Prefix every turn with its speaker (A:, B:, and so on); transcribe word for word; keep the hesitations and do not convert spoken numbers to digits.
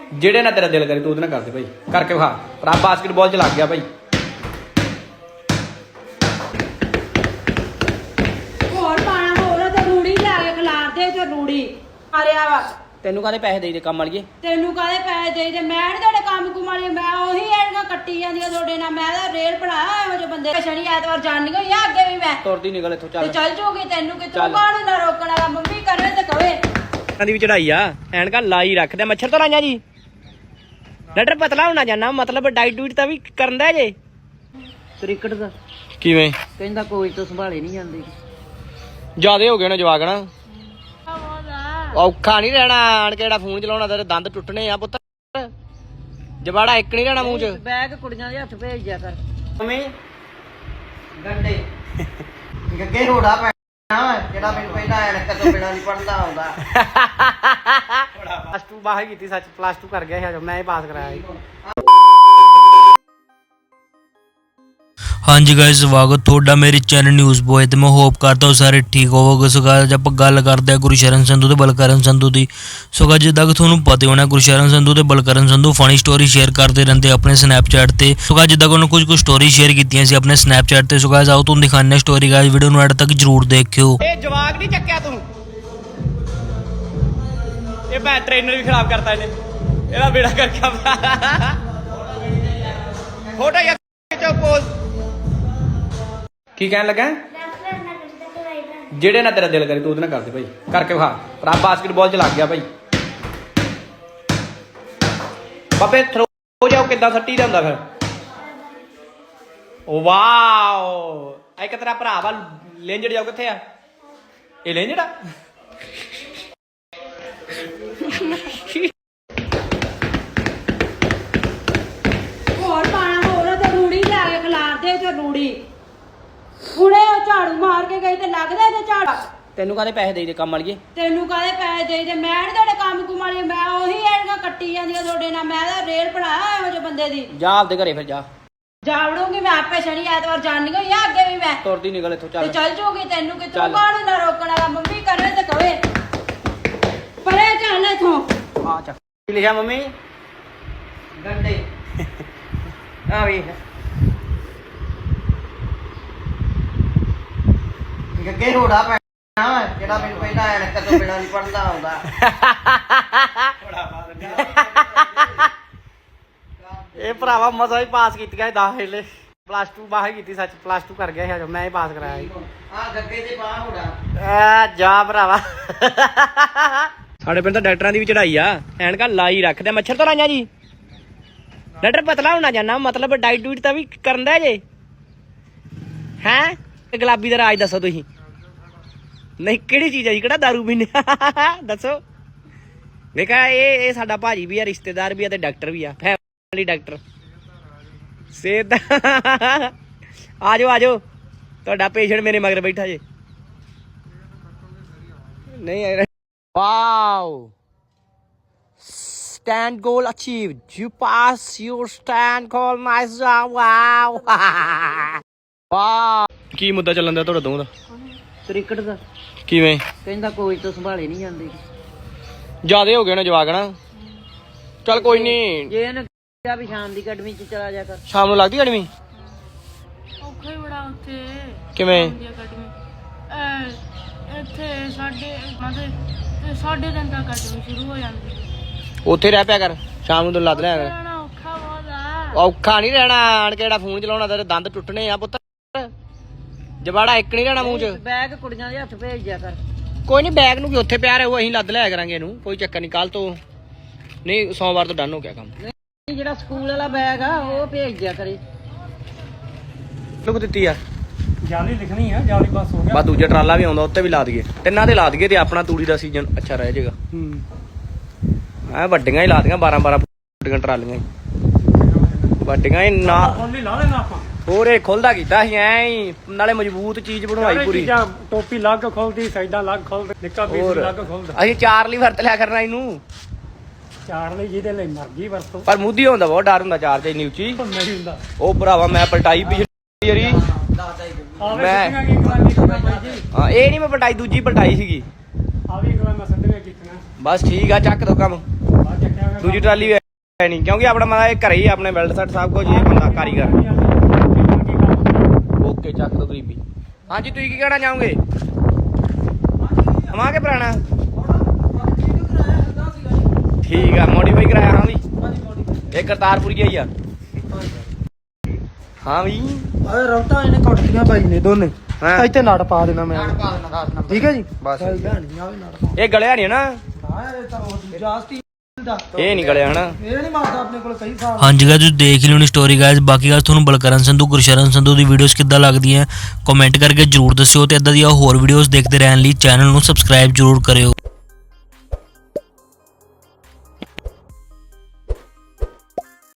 A: ਜਿਹੜੇ ਨਾਲ ਤੇਰਾ ਦਿਲ ਕਰੇ ਤੂੰ ਉਹਦੇ ਨਾਲ ਕਰਦੇ ਭਾਈ, ਕਰਕੇ ਵਿਖਾ। ਭਰਾ ਬਾਸਕਟਬਾਲ 'ਚ ਲੱਗ ਗਿਆ ਭਾਈ।
B: ਹੋਰ ਪਾਣਾ ਹੋਰ ਤੇ ਰੂੜੀ ਲੈ ਕੇ ਖਿਲਾਰ ਦੇ ਤੇ ਰੂੜੀ ਮਾਰਿਆ ਵਾ।
A: ਤੈਨੂੰ ਕਾਹਦੇ ਪੈਸੇ ਦੇਈ ਦੇ ਕੰਮ ਵਾਲੀਏ?
B: ਤੈਨੂੰ ਕਾਹਦੇ ਪੈਸੇ ਦੇਈ ਦੇ? ਮੈਂ ਨੀ ਤੁਹਾਡੇ ਕੰਮ ਕੁਮਾਰੀ, ਮੈਂ ਉਹੀ ਐਨਕਾਂ ਕੱਟੀ ਜਾਂਦੀਆਂ ਤੁਹਾਡੇ ਨਾਲ। ਮੈਂ ਤਾਂ ਰੇਲ ਬਣਾਇਆ ਇਹੋ ਜਿਹੇ ਬੰਦੇ। ਸ਼ਨੀ ਐਤਵਾਰ ਜਾਣੀ ਹੋਈ ਆ ਅੱਗੇ ਵੀ ਮੈਂ
A: ਤੁਰਦੀ ਨਿਕਲ ਇੱਥੋਂ। ਚੱਲ
B: ਤੇ ਚੱਲ ਜੂਗੀ, ਤੈਨੂੰ ਕਿ ਤੂੰ ਕਾਹਨੂੰ ਨਾ ਰੋਕਣ ਵਾਲਾ। ਮੰਮੀ ਕਰੇ ਤੇ ਕਵੇ
A: ਦੀ ਵੀ ਚੜਾਈ ਆ, ਐਨਕਾਂ ਲਾਈ ਰੱਖਦੇ। ਮੱਛਰ ਤੋਂ ਲਾਈਆਂ ਜੀ। ਡਾਕਟਰ ਪਤਲਾ ਹੋਣਾ ਜਾਨਾ, ਮਤਲਬ ਡਾਈਟ ਡੂਟ ਤਾਂ ਵੀ ਕਰਦਾ ਜੇ।
C: ਕ੍ਰਿਕਟ ਦਾ
A: ਕਿਵੇਂ
C: ਕਹਿੰਦਾ ਕੋਚ ਤੋਂ ਸੰਭਾਲੇ ਨਹੀਂ ਜਾਂਦੇ।
A: ਜਿਆਦੇ ਹੋ ਗਏ ਨੇ ਜਵਾਕ ਨਾ, ਔਖਾ ਨਹੀਂ ਰਹਿਣਾ। ਆਣ ਕੇ ਜਿਹੜਾ ਫੋਨ ਚਲਾਉਣਾ ਤੇਰੇ ਦੰਦ ਟੁੱਟਣੇ ਆ ਪੁੱਤ। ਜਵਾੜਾ ਇੱਕ ਨਹੀਂ ਰਹਿਣਾ ਮੂੰਹ 'ਚ।
C: ਬੈਗ ਕੁੜੀਆਂ ਦੇ ਹੱਥ ਭੇਜ ਦਿਆ ਕਰ।
A: ਮੰਮੀ
C: ਗੰਡੇ ਗੱਗੇ ਰੋੜਾ ਪੈਣਾ ਜਿਹੜਾ ਮੈਨੂੰ ਪਹਿਲਾਂ ਐਨਕ ਤੋਂ ਬਿਨਾਂ ਨਹੀਂ ਪੜਦਾ ਆਉਂਦਾ।
A: ਪਲੱਸ ਟੂ ਬਾਹਰ ਕੀਤੀ, ਸੱਚ ਪਲੱਸ ਟੂ ਕਰ ਗਿਆ ਸੀ, ਮੈਂ ਹੀ ਪਾਸ ਕਰਾਇਆ ਸੀ।
D: हाँ जी गाइस, स्वागत ਤੁਹਾਡਾ ਮੇਰੇ ਚੈਨਲ ਨਿਊਜ਼ ਬੋਏ ਤੇ ਮੈਂ ਹੋਪ ਕਰਦਾ ਹਾਂ ਸਾਰੇ ਠੀਕ ਹੋਵੋਗੇ। ਸੋ ਗਾਇਸ ਆਪਾਂ ਗੱਲ ਕਰਦੇ ਹਾਂ ਗੁਰਸ਼ਰਨ ਸੰਧੂ ਤੇ ਬਲਕਰਨ ਸੰਧੂ ਦੀ। ਸੋ ਗਾਇਸ ਜਿੱਦਾਂ ਕਿ ਤੁਹਾਨੂੰ ਪਤਾ ਹੋਣਾ ਗੁਰਸ਼ਰਨ ਸੰਧੂ ਤੇ Balkaran Sandhu funny story share ਕਰਦੇ ਰਹਿੰਦੇ ਆਪਣੇ ਸਨੈਪਚੈਟ ਤੇ। ਸੋ ਗਾਇਸ ਜਿੱਦਾਂ ਕਿ ਉਹਨਾਂ ਕੁਝ ਕੁ ਸਟੋਰੀ ਸ਼ੇਅਰ ਕੀਤੀਆਂ ਸੀ ਆਪਣੇ ਸਨੈਪਚੈਟ ਤੇ। ਸੋ ਗਾਇਸ ਆਓ ਤੁਹਾਨੂੰ ਦਿਖਾਉਂਦੇ ਹਾਂ ਸਟੋਰੀ। ਗਾਇਸ ਵੀਡੀਓ ਨੂੰ ਐਡ ਤੱਕ ਜਰੂਰ ਦੇਖਿਓ।
A: ਇਹ ਜਵਾਕ ਨਹੀਂ ਚੱਕਿਆ ਤੂੰ, ਇਹ ਮੈਂ ਟ੍ਰੇਨਰ ਵੀ ਖਰਾਬ ਕਰਤਾ ਇਹਨੇ। ਇਹਦਾ ਬੇੜਾ ਕਰਕੇ ਫੋਟੋ ਯਾ ਖਿੱਚੋ ਪੋਜ਼। ਕੀ ਕਹਿਣ ਲੱਗਾ? ਜਿਹੜੇ ਨਾਲ ਤੇਰਾ ਦਿਲ ਕਰੇ ਤੂੰ ਉਹਦੇ ਨਾਲ ਕਰਦੇ ਭਾਈ, ਕਰਕੇ ਵਿਖਾ। ਭਰਾ ਬਾਸਕਟਬਾਲ 'ਚ ਲੱਗ ਗਿਆ ਭਾਈ। ਬਾਬੇ ਥਰੋ ਜਾਓ ਕਿੱਦਾਂ ਸੱਟੀ ਦਾ ਹੁੰਦਾ ਫਿਰ। ਓ ਵਾਓ, ਇੱਕ ਤੇਰਾ ਭਰਾ ਵਾ ਲੇਂਜੜ ਜਾਓ। ਕਿੱਥੇ ਆ ਇਹ ਲੇਂਜੜ? ਆ
B: ਹੋਰ ਪਾਣਾ ਹੋਰ ਤੇ ਰੂੜੀ ਲੈ ਕੇ ਖਿਲਾਰ ਦੇ ਤੇ ਰੂੜੀ। ਹੁਣੇ ਉਹ ਝਾੜੂ ਮਾਰ ਕੇ ਗਈ ਤੇ ਲੱਗਦਾ ਤੇ ਝਾੜਾ।
A: ਤੈਨੂੰ ਕਾਹਦੇ ਪੈਸੇ ਦੇਈ ਦੇ ਕੰਮ ਵਾਲੀਏ?
B: ਤੈਨੂੰ ਕਾਹਦੇ ਪੈਸੇ ਦੇਈ ਦੇ? ਮੈਂ ਨੀ ਤੁਹਾਡੇ ਕੰਮ ਕੁਮਾਰੀ, ਮੈਂ ਉਹੀ ਐਨਕਾਂ ਕੱਟੀ ਜਾਂਦੀਆਂ ਤੁਹਾਡੇ ਨਾਲ। ਮੈਂ ਤਾਂ ਰੇਲ ਬਣਾਇਆ ਇਹੋ ਜਿਹੇ ਬੰਦੇ ਦੀ।
A: ਜਾ ਆਪਦੇ ਘਰੇ ਫਿਰ ਜਾ।
B: ਜਾਵੜੂਗੀ ਮੈਂ ਆਪੇ। ਸ਼ਨੀ ਐਤਵਾਰ ਜਾਣੀ ਹੋਈ ਆ ਅੱਗੇ ਵੀ ਮੈਂ
A: ਤੁਰਦੀ ਨਿਕਲ ਇੱਥੋਂ।
B: ਤੇ
A: ਚੱਲ
B: ਚੱਲ ਜੂਗੀ, ਤੈਨੂੰ ਕਿ ਤੂੰ
A: ਚੱਲ।
B: ਕਾਹਨੂੰ ਨਾ ਰੋਕਣ ਵਾਲਾ। ਮੰਮੀ ਕਰੇ ਤੇ ਕਵੇ ਪਰੇ ਚੱਲ ਇਥੋਂ।
A: ਆ ਚੱਕ। ਕੀ ਲਿਖਿਆ ਮੰਮੀ?
C: ਗੰਡੇ
A: ਆ ਵੇਖ
C: ਗੱਗੇ ਰੋੜਾ ਪੈਣਾ ਜਿਹੜਾ ਮੈਨੂੰ ਪਹਿਲਾਂ ਐਨਕ ਤੋਂ ਬਿਨਾਂ ਨਹੀਂ ਪੜਦਾ ਆਉਂਦਾ।
A: ਇਹ ਭਰਾਵਾ ਮਜ਼ਾ ਹੀ ਪਾਸ ਕੀਤੀਆਂ ਦਸ ਵੇਲੇ। ਪਲੱਸ ਟੂ ਬਾਹਰ ਕੀਤੀ, ਸੱਚ ਪਲੱਸ ਟੂ ਕਰ ਗਿਆ ਸੀ, ਮੈਂ ਹੀ ਪਾਸ ਕਰਾਇਆ ਸੀ।
C: ਆ ਗੱਗੇ ਦੇ ਬਾਹ ਹੋੜਾ
A: ਆ ਜਾ ਭਰਾਵਾ। ਸਾਡੇ ਪਿੰਡ ਤਾਂ ਡਾਕਟਰਾਂ ਦੀ ਵੀ ਚੜਾਈ ਆ, ਐਨਕਾਂ ਲਾਈ ਰੱਖਦੇ। ਮੱਛਰ ਤੋਂ ਲਾਈਆਂ ਜੀ। ਡਾਕਟਰ ਪਤਲਾ ਹੋਣਾ ਜਾਨਾ, ਮਤਲਬ ਡਾਈਟ ਡੂਟ ਤਾਂ ਵੀ ਕਰਦਾ ਜੇ। ਹੈਂ ਗੁਲਾਬੀ ਦਾ ਰਾਜ ਦੱਸੋ ਤੁਸੀਂ। ਨਹੀਂ ਕਿਹੜੀ ਚੀਜ਼ ਹੈ ਜੀ? ਕਿਹੜਾ ਦਾਰੂ ਪੀਂਦੇ? ਦੱਸੋ। ਵੇਖਾ ਇਹ ਇਹ ਸਾਡਾ ਭਾਜੀ ਵੀ ਆ, ਰਿਸ਼ਤੇਦਾਰ ਵੀ ਆ ਤੇ ਡਾਕਟਰ ਵੀ ਆ, ਫੈਮਿਲੀ ਡਾਕਟਰ। ਸਿਹਤ ਆ ਜਾਓ ਆ ਜਾਓ, ਤੁਹਾਡਾ ਪੇਸ਼ੈਂਟ ਮੇਰੇ ਮਗਰ ਬੈਠਾ ਜੇ। ਨਹੀਂ wow, stand goal achieved, you pass your stand goal, nice job, wow। Wow, ਕੀ ਮੁੱਦਾ ਚੱਲਣ ਦਿਆ ਤੁਹਾਡਾ ਦੋਵਾਂ ਦਾ?
C: ਕ੍ਰਿਕਟ ਦਾ
A: ਕਿਵੇਂ
C: ਕਹਿੰਦਾ ਕੋਚ ਤੋਂ ਸੰਭਾਲੇ ਨਹੀਂ ਜਾਂਦੇ।
A: ਜਿਆਦੇ ਹੋ ਗਏ ਨੇ ਜਵਾਕ ਨਾ। ਚੱਲ ਕੋਈ ਨਹੀਂ,
C: ਜੇ ਇਹਨੇ ਕਿਹਾ ਵੀ ਸ਼ਾਮ ਦੀ ਅਕੈਡਮੀ ਚ ਚਲਾ ਜਾ ਕਰ।
A: ਸ਼ਾਮ ਨੂੰ ਲੱਗਦੀ ਅਕੈਡਮੀ?
E: ਔਖਾ ਹੀ ਬੜਾ ਉੱਥੇ।
A: ਕਿਵੇਂ?
E: ਇੱਥੇ ਸਾਡੇ ਮਤਲਬ ਸਾਡੇ ਦਿਨ ਤੱਕ ਅਕੈਡਮੀ ਸ਼ੁਰੂ ਹੋ ਜਾਂਦੀ।
A: ਉੱਥੇ ਰਹਿ ਪਿਆ ਕਰ, ਸ਼ਾਮ ਨੂੰ ਤੈਨੂੰ ਲੱਦ ਲਿਆ ਕਰ।
E: ਰਹਿਣਾ ਔਖਾ ਬਹੁਤ ਆ।
A: ਔਖਾ ਨਹੀਂ ਰਹਿਣਾ। ਆਣ ਕੇ ਜਿਹੜਾ ਫੋਨ ਚਲਾਉਣਾ ਤੇਰੇ ਦੰਦ ਟੁੱਟਣੇ ਆ ਪੁੱਤ। ਜਵਾੜਾ ਇੱਕ ਨਹੀਂ ਰਹਿਣਾ ਮੂੰਹ 'ਚ।
C: ਬੈਗ ਕੁੜੀਆਂ ਦੇ ਹੱਥ ਭੇਜ ਦਿਆ ਕਰ।
A: ਕੋਈ ਨਹੀਂ, ਬੈਗ ਨੂੰ ਕੀ ਉੱਥੇ ਪਿਆ ਰਹੂ, ਅਸੀਂ ਲੱਦ ਲਿਆ ਕਰਾਂਗੇ ਇਹਨੂੰ, ਕੋਈ ਚੱਕਰ ਨਹੀਂ। ਕੱਲ ਤੋਂ ਨਹੀਂ, ਸੋਮਵਾਰ ਤੋਂ ਡਨ ਹੋ ਗਿਆ ਕੰਮ।
C: ਨਹੀਂ ਜਿਹੜਾ ਸਕੂਲ ਵਾਲਾ ਬੈਗ ਆ ਉਹ ਭੇਜ ਦਿਆ ਕਰੇ।
A: ਲੁਕ ਦਿੱਤੀ ਆ
F: ਜਾਲੀ ਲਿਖਣੀ ਆ, ਜਾਲੀ ਬਸ ਹੋ ਗਿਆ।
A: ਬਾ ਦੂਜਾ ਟਰਾਲਾ ਵੀ ਆਉਂਦਾ, ਉੱਤੇ ਵੀ ਲਾ ਦਈਏ। ਤਿੰਨਾਂ ਤੇ ਲਾ ਦਈਏ ਤੇ ਆਪਣਾ ਤੂੜੀ ਦਾ ਸੀਜ਼ਨ ਅੱਛਾ ਰਹਿ ਜਾਏਗਾ।
F: ਹੂੰ
A: ਐ ਵੱਡੀਆਂ ਹੀ ਲਾ ਦੀਆਂ, ਬਾਰਾਂ ਬਾਰਾਂ ਫੁੱਟੀਆਂ ਟਰਾਲੀਆਂ ਵੱਡੀਆਂ ਹੀ ਨਾ।
F: ਖੋਲੀ ਲਾ ਦੇਣਾ ਆਪਾਂ।
A: ਹੋਰ ਇਹ ਖੁੱਲਦਾ ਕੀਤਾ ਸੀ ਐ ਹੀ, ਨਾਲੇ ਮਜ਼ਬੂਤ ਚੀਜ਼ ਬਣਵਾਈ ਪੂਰੀ।
F: ਟੋਪੀ ਲੱਗ ਖੋਲਦੀ, ਸਾਈਡਾਂ ਲੱਗ ਖੋਲਦੇ, ਨਿੱਕਾ ਪੀਸ ਲੱਗ ਖੋਲਦਾ।
A: ਅਸੀਂ ਚਾਰ ਲਈ ਵਰਤ ਲਿਆ ਕਰਨਾ ਇਹਨੂੰ।
F: ਚਾਰ ਲਈ ਜਿਹਦੇ ਲਈ ਮਰਜ਼ੀ ਵਰਤੋ,
A: ਪਰ ਮੁੱਦੀ ਹੁੰਦਾ ਬਹੁਤ ਡਰ ਹੁੰਦਾ ਚਾਰ ਚ ਇੰਨੀ ਉੱਚੀ।
F: ਨਹੀਂ ਹੁੰਦਾ।
A: ਉਹ ਭਰਾਵਾ ਮੈਂ ਪਲਟਾਈ ਪਿਛਲੀ ਵਾਰੀ।
F: ਆਵੇ
A: ਮੈਂ-
F: ਸਿੱਧੀਆਂ ਕੀ ਕਰਾਂਗੇ ਕਿਹੜਾ ਬਾਈ ਜੀ?
A: ਹਾਂ ਇਹ ਨਹੀਂ ਮੈਂ ਪਲਟਾਈ, ਦੂਜੀ ਪਲਟਾਈ ਸੀਗੀ।
F: ਆ ਵੀ ਗਲਾ ਮੈਂ ਸੱਦਵੇਂ ਕੀਤੀਆਂ।
A: ਬਸ ਠੀਕ ਆ, ਚੱਕ ਦੋ ਕੰਮ।
F: ਬਾਅਦ ਚੱਕਿਆ
A: ਦੂਜੀ ਟਰਾਲੀ ਵੀ ਹੈ ਨਹੀਂ ਕਿਉਂਕਿ ਆਪਣਾ ਮਾਦਾ ਇਹ ਘਰੇ ਹੀ ਆਪਣੇ ਵੈਲਡ ਸੈਟ ਸਭ ਕੁਝ ਇਹ ਬੰਦਾ ਕਾਰੀਗਰ ਓਕੇ ਚੱਕ ਦੋ ਗਰੀਬੀ ਹਾਂਜੀ ਤੁਸੀਂ ਕੀ ਕਹਿਣਾ ਚਾਹੋਗੇ ਨਵਾਂ ਕਿ ਪੁਰਾਣਾ ਠੀਕ ਆ ਮੋਡੀਫਾਈ ਕਰਾਇਆ ਹਾਂ ਵੀ ਇਹ ਕਰਤਾਰਪੁਰੀਆ ਹੀ ਆ ਹਾਂ ਵੀ
C: ਓਏ ਰੌਟਾਂ ਇਹਨੇ ਕੁੱਟਦੀਆਂ ਬਾਈ ਨੇ ਦੋਨੇ
A: ਹਾਂ
C: ਇੱਥੇ ਨੜ ਪਾ ਦੇਣਾ ਮੈਂ ਠੀਕ ਹੈ ਜੀ
A: ਬਸ
C: ਨਹੀਂ ਆਵੇ ਨੜ ਪਾ
A: ਇਹ ਗਲਿਆ ਨਹੀਂ ਨਾ
C: ਇਹ ਤਾਂ ਉਹ ਜਾਸਤੀ ਦਾ
A: ਇਹ ਨਹੀਂ ਗਲਿਆ ਹਨਾ
C: ਇਹ ਨਹੀਂ ਮਾਰਦਾ ਆਪਣੇ ਕੋਲ ਕਈ ਸਾਲ
D: ਹਾਂਜੀ ਗਾਇਸ ਤੁਸੀਂ ਦੇਖ ਹੀ ਲਿਓਣੀ ਸਟੋਰੀ ਗਾਇਸ ਬਾਕੀ ਗੱਲ ਤੁਹਾਨੂੰ ਬਲਕਰਨ ਸੰਧੂ ਗੁਰਸ਼ਰਨ ਸੰਧੂ ਦੀ ਵੀਡੀਓਜ਼ ਕਿੱਦਾਂ ਲੱਗਦੀਆਂ ਕਮੈਂਟ ਕਰਕੇ ਜਰੂਰ ਦੱਸਿਓ ਤੇ ਇਦਾਂ ਦੀਆਂ ਹੋਰ ਵੀਡੀਓਜ਼ ਦੇਖਦੇ ਰਹਿਣ ਲਈ ਚੈਨਲ ਨੂੰ ਸਬਸਕ੍ਰਾਈਬ ਜਰੂਰ ਕਰਿਓ।